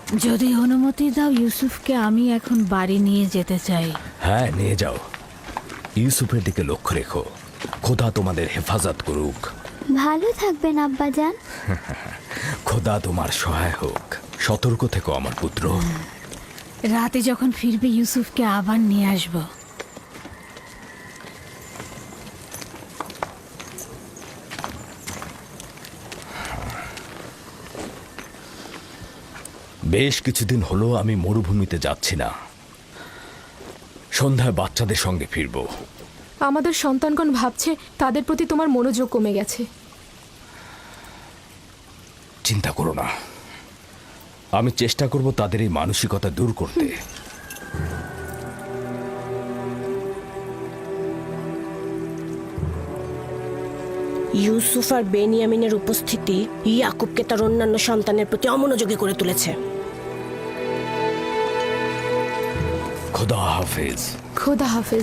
যদি অনুমতি দাও ইউসুফকে আমি এখন বাড়ি নিয়ে যেতে চাই। হ্যাঁ, নিয়ে যাও। ইউসুফের দিকে লক্ষ্য রেখো। খোদা তোমাদের হেফাজত করুক। ভালো থাকবেন আব্বাজান। খোদা তোমার সহায় হোক। সতর্ক থেকো আমার পুত্র। রাতে যখন ফিরবে ইউসুফকে আবার নিয়ে আসবো। বেশ কিছুদিন হলো আমি মরুভূমিতে যাচ্ছি না। সন্ধ্যায় বাচ্চাদের সঙ্গে ফিরব। আমাদের সন্তানগণ ভাবছে তাদের প্রতি তোমার মনোযোগ কমে গেছে। চিন্তা করো না, আমি চেষ্টা করব তাদের এই মানসিকতা দূর করতে। ইউসুফ আর বেনিয়ামিনের উপস্থিতি ইয়াকুবকে তার অন্যান্য সন্তানের প্রতি অমনোযোগী করে তুলেছে। খোদা হাফেজ। খোদা হাফেজ।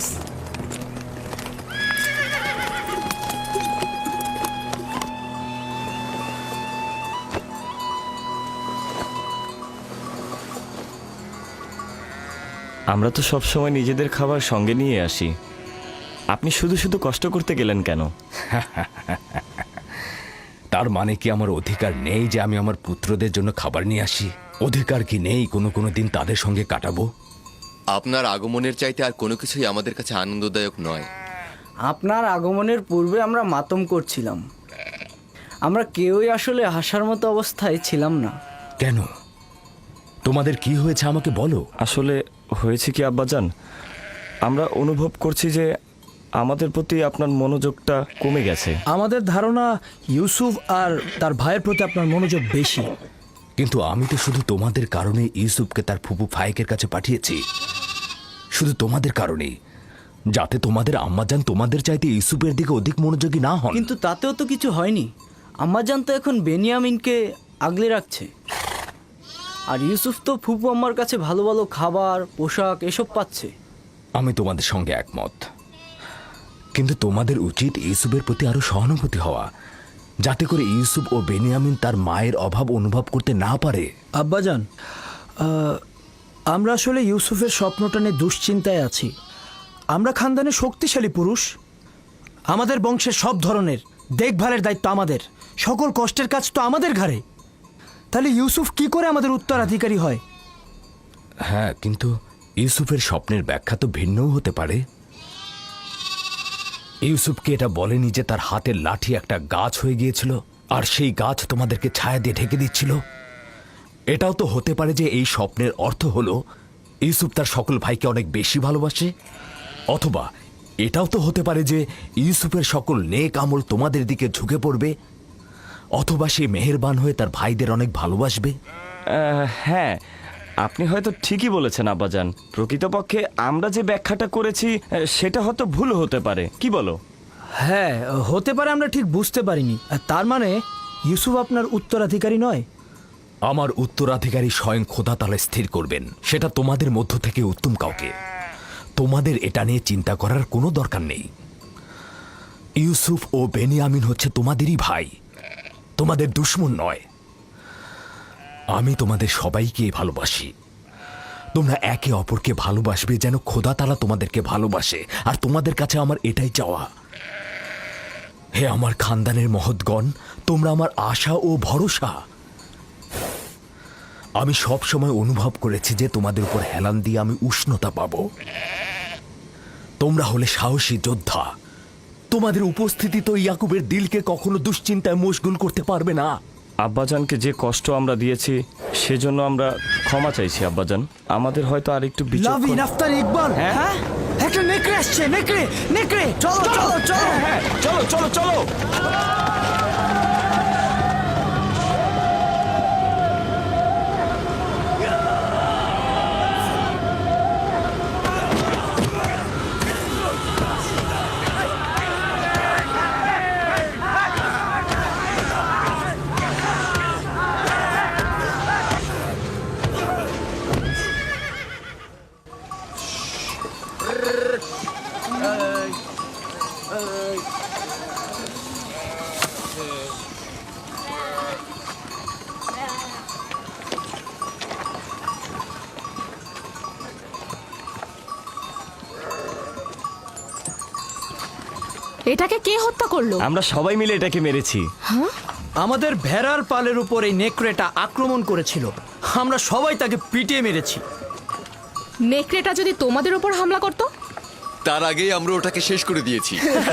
আমরা তো সব সময় নিজেদের খাবার সঙ্গে নিয়ে আসি, আপনি শুধু শুধু কষ্ট করতে গেলেন কেন? তার মানে কি আমার অধিকার নেই যে আমি আমার পুত্রদের জন্য খাবার নিয়ে আসি? অধিকার কি নেই কোনো দিন তাদের সঙ্গে কাটাবো? আপনার আগমনের চাইতে আর কোনো কিছুই আমাদের কাছে আনন্দদায়ক নয়। আপনার আগমনের পূর্বে আমরা মাতম করছিলাম। আমরা কেউই আসলে হাসার মতো অবস্থায় ছিলাম না। কেন? তোমাদের কি হয়েছে আমাকে বলো। আসলে হয়েছে কি আব্বাজান, আমরা অনুভব করছি যে আমাদের প্রতি আপনার মনোযোগটা কমে গেছে। আমাদের ধারণা ইউসুফ আর তার ভাইয়ের প্রতি আপনার মনোযোগ বেশি। কিন্তু আমি তো শুধু তোমাদের কারণে ইউসুফকে তার ফুপু ফায়েকের কাছে পাঠিয়েছি। শুধু তোমাদের কারণেই, যাতে তোমাদের আম্মাজান তোমাদের চাইতে ইউসুফের দিকে অধিক মনোযোগী না হন। কিন্তু তাতেও তো কিছু হয়নি। আম্মাজান তো এখন বেনিয়ামিনকে আগলে রাখছে, আর ইউসুফ তো ফুপু আম্মার কাছে ভালো ভালো খাবার, পোশাক এসব পাচ্ছে। আমি তোমাদের সঙ্গে একমত, কিন্তু তোমাদের উচিত ইউসুফের প্রতি আরো সহানুভূতি হওয়া, যাতে করে ইউসুফ ও বেনিয়ামিন তার মায়ের অভাব অনুভব করতে না পারে। আব্বাজান, আমরা আসলে ইউসুফের স্বপ্নটা নিয়ে দুশ্চিন্তায় আছি। আমরা খানদানে শক্তিশালী পুরুষ, আমাদের বংশের সব ধরনের দেখভালের দায়িত্ব আমাদের, সকল কষ্টের কাজ তো আমাদের ঘাড়ে। তাহলে ইউসুফ কি করে আমাদের উত্তরাধিকারী হয়? হ্যাঁ, কিন্তু ইউসুফের স্বপ্নের ব্যাখ্যা তো ভিন্নও হতে পারে। ইউসুফকে এটা বলেনি যে তার হাতের লাঠি একটা গাছ হয়ে গিয়েছিল, আর সেই গাছ তোমাদেরকে ছায়া দিয়ে ঢেকে দিচ্ছিল। এটাও তো হতে পারে যে এই স্বপ্নের অর্থ হলো ইউসুফ তার সকল ভাইকে অনেক বেশি ভালোবাসে। অথবা এটাও তো হতে পারে যে ইউসুফের সকল নেক আমল তোমাদের দিকে ঝুঁকে পড়বে, অথবা সে মেহেরবান হয়ে তার ভাইদের অনেক ভালোবাসবে। হ্যাঁ, আপনি হয়তো ঠিকই বলেছেন আব্বাজান। প্রকৃতপক্ষে আমরা যে ব্যাখ্যাটা করেছি সেটা হয়তো ভুল হতে পারে, কি বলো? হ্যাঁ, হতে পারে, আমরা ঠিক বুঝতে পারিনি। তার মানে ইউসুফ আপনার উত্তরাধিকারী নয়? আমার উত্তরাধিকারী স্বয়ং খোদা তাআলা স্থির করবেন, সেটা তোমাদের মধ্য থেকে উত্তম কাউকে। তোমাদের এটা নিয়ে চিন্তা করার কোনো দরকার নেই। ইউসুফ ও বেনিয়ামিন হচ্ছে তোমাদেরই ভাই, তোমাদের দুশমন নয়। আমি তোমাদের সবাইকে ভালোবাসি। তোমরা একে অপরকে ভালোবাসবে যেন খোদা তাআলা তোমাদেরকে ভালোবাসে, আর তোমাদের কাছে আমার এটাই চাওয়া। হে আমার খানদানের মহৎগণ, তোমরা আমার আশা ও ভরসা। আমি সব সময় অনুভব করেছি যে তোমাদের উপর হেলান দিয়ে আমি উষ্ণতা পাব। তোমরা হলে সাহসী যোদ্ধা। তোমাদের উপস্থিতি তো ইয়াকুবের দিলকে কখনো দুশ্চিন্তায় মশগুল করতে পারবে না। আব্বাজানকে যে কষ্ট আমরা দিয়েছি সেজন্য আমরা ক্ষমা চাইছি আব্বাজান। আমাদের হয়তো আর একটু লাভিন, আফতার, ইকবাল, হ্যাঁ, একটা নেকড়ে আসছে। নেকড়ে, নেকড়ে, চলো চলো চলো, হ্যাঁ, চলো চলো চলো। এটাকে কে হত্যা করলো? আমরা সবাই মিলে এটাকে মেরেছি। আমাদের ভেড়ার পালের উপর এই নেকড়েটা আক্রমণ করেছিল, আমরা সবাই তাকে পিটিয়ে মেরেছি। নেকড়েটা যদি তোমাদের উপর হামলা করতো? তার আগেই আমরা ওটাকে শেষ করে দিয়েছি।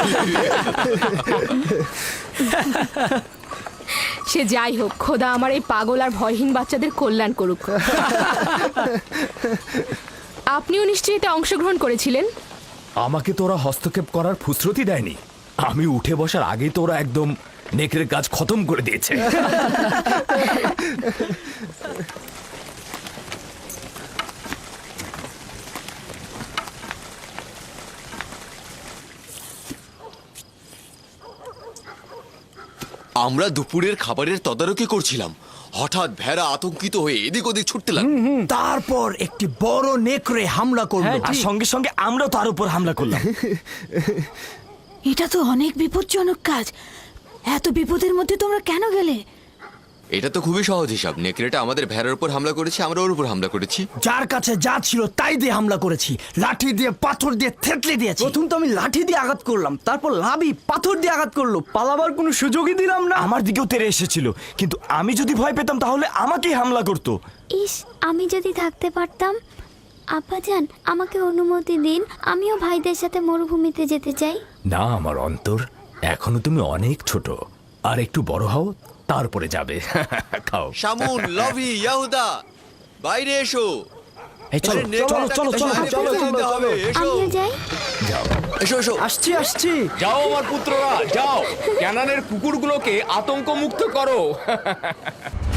সে যাই হোক, খোদা আমার এই পাগল আর ভয়হীন বাচ্চাদের কল্যাণ করুক। আপনিও নিশ্চয়ই এতে অংশগ্রহণ করেছিলেন? আমাকে তোরা হস্তক্ষেপ করার ফুসরতি দেয়নি। আমি উঠে বসার আগেই তোরা একদম নেকড়ের কাজ খতম করে দিয়েছে। আমরা দুপুরের খাবারের তদারকি করছিলাম, হঠাৎ ভেড়া আতঙ্কিত হয়ে এদিক ওদিক ছুটতে লাগলো। তারপর একটি বড় নেকড়ে হামলা করলো। আর সঙ্গে সঙ্গে আমরাও তার উপর হামলা করলাম। এটা তো অনেক বিপজ্জনক কাজ। এত বিপদের মধ্যে তোমরা কেন গেলে? এটা তো খুবই সহজ হিসাব। নেকড়েটা আমাদের ভেড়ার উপর হামলা করেছে, আমরা ওর উপর হামলা করেছি। যার কাছে যা ছিল তাই দিয়ে হামলা করেছি, লাঠি দিয়ে পাথর দিয়ে থেতলে দিয়েছি। প্রথম তো আমি লাঠি দিয়ে আঘাত করলাম, তারপর লাভি পাথর দিয়ে আঘাত করলো, পালাবার কোনো সুযোগই দিলাম না। আমার দিকেও তেড়ে এসেছিল, কিন্তু আমি যদি ভয় পেতাম তাহলে আমাকেই হামলা করতো। ইস, আমি যদি থাকতে পারতাম। আব্বাজান, আমাকে অনুমতি দিন, আমিও ভাইদের সাথে মরুভূমিতে যেতে চাই। না আমার অন্তর, এখনো তুমি অনেক ছোট, আর একটু বড় হও তারপরে যাবে। খাও। শামুন, লভি, ইয়াহুদা, বাইরে এসো। এই চলো আরে, নেকড়েটাকে চলো চলো বাইরে চলো ফেলে দিতে হবে। এসো আমিও যাই। এসো এসো। আসছি। যাও আমার পুত্ররা, যাও ক্যানানের কুকুরগুলোকে আতঙ্ক মুক্ত করো।